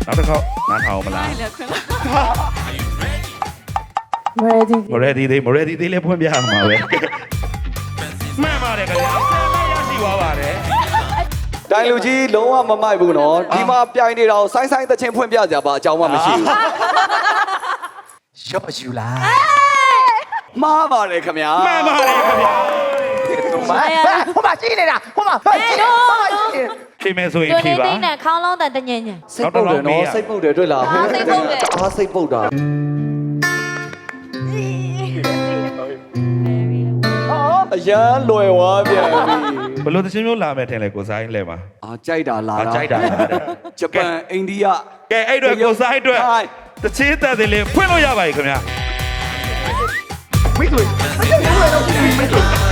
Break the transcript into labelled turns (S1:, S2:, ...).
S1: နောက်တစ်ခေါက်နားထောင်မလား ready သေးလေးဖွင့်ပြရမှာပဲမှန်ပါတယ်ခင်ဗျာရရှိသွားပါတယ်
S2: တိုင်လူကြီးလုံးဝမမိုက်ဘူးနော်ဒီမှာပြိုင်နေတာကိုဆိုင်းသချင်းဖွင့်ပြကြပါအကြောင်းမှမရှိဘူးရော့ယူလားမှားပါတယ်ခင်ဗျာ
S1: မှန်ပါတယ်ခင်ဗျာ
S3: ဟိုမှာကြည့်နေတာဟိုမှာကြည့်နေ
S1: ဖြေမယ်ဆိုရင်ဖြေပါ
S4: 对呢，康老的的年年。
S2: စိတ်ပုတ်တယ်နော်စိတ်ပုတ်တယ်တွေ့လား
S4: စိတ်ပုတ်တယ်
S2: အားစိတ်ပုတ်တာအရန်လွယ်သွားပြန်ပြီ
S1: ဘယ်လိုသချင်းမျိုးလာမယ်ထင်လဲကိုစားရင်လဲပါ
S2: အာကြိုက်တာလား
S1: ကြိုက်တာလားတဲ့
S2: ဂျပန်အိန္ဒိယ
S1: ကဲအဲ့တော့ကိုစားအတွက်တချင်းတက်တယ်လေဖွင့်လို့ရပါပြီခင်ဗျာ
S3: မိတ်ဆွေမိတ်ဆွေတော့ကြည့်မိတ်ဆွေ